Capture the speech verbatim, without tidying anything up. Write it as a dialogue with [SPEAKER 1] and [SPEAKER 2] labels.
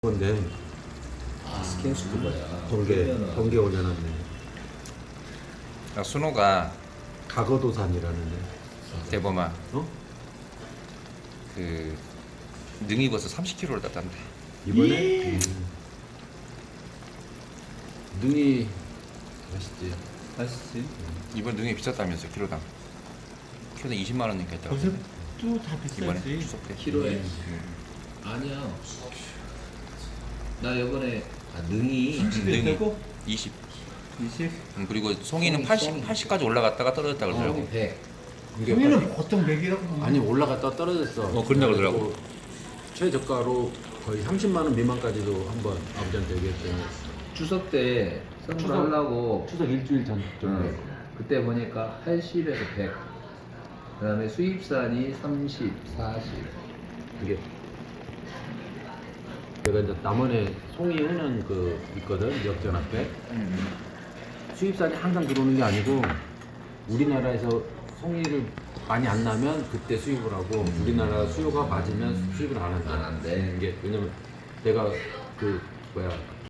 [SPEAKER 1] 건데
[SPEAKER 2] 아, 스킨스쿠버야.
[SPEAKER 1] 번개 번개 올려놨네.
[SPEAKER 3] 야, 순호가
[SPEAKER 1] 가거도산이라는데.
[SPEAKER 3] 대범아
[SPEAKER 1] 어?
[SPEAKER 3] 그 능이버섯 삼십 킬로를 땄단데.
[SPEAKER 1] 이번에 음,
[SPEAKER 2] 능이 맛있지.
[SPEAKER 4] 맛있지.
[SPEAKER 3] 이번 능이 비쌌다면서 킬로당. 킬로당 이십만 원이니까 했다고.
[SPEAKER 4] 버섯도 다
[SPEAKER 3] 이번에
[SPEAKER 4] 비싸지.
[SPEAKER 3] 추석 때.
[SPEAKER 2] 키로에?
[SPEAKER 3] 음.
[SPEAKER 2] 아니야. 나 이번에 아, 능이
[SPEAKER 4] 삼십이 되고
[SPEAKER 3] 이십.
[SPEAKER 4] 이십.
[SPEAKER 3] 음, 그리고 송이는
[SPEAKER 2] 송이,
[SPEAKER 3] 팔십,
[SPEAKER 2] 송이.
[SPEAKER 3] 팔십까지 올라갔다가 떨어졌다 그러더라고.
[SPEAKER 2] 성이 백.
[SPEAKER 1] 이게
[SPEAKER 4] 우리는 보통 백이라고.
[SPEAKER 1] 아니 올라갔다 떨어졌어.
[SPEAKER 3] 어, 그런다 그러더라고.
[SPEAKER 1] 그래가지고 최저가로 거의 삼십만 원 미만까지도 한번 아버지한테 얘기했더니
[SPEAKER 2] 추석 때 선물하려고
[SPEAKER 1] 추석 일주일 전 정도에
[SPEAKER 2] 응. 그때 보니까 팔십에서 백. 그다음에 수입산이 삼십, 사십.
[SPEAKER 1] 이게 내가 이제 남원에 송이 우는 그 있거든 역전 앞에. 수입산이 항상 들어오는 게 아니고 우리나라에서 송이를 많이 안 나면 그때 수입을 하고 우리나라 수요가 맞으면 수입을 안 한다.
[SPEAKER 2] 안 한대.
[SPEAKER 1] 이게 왜냐면 내가 그 뭐야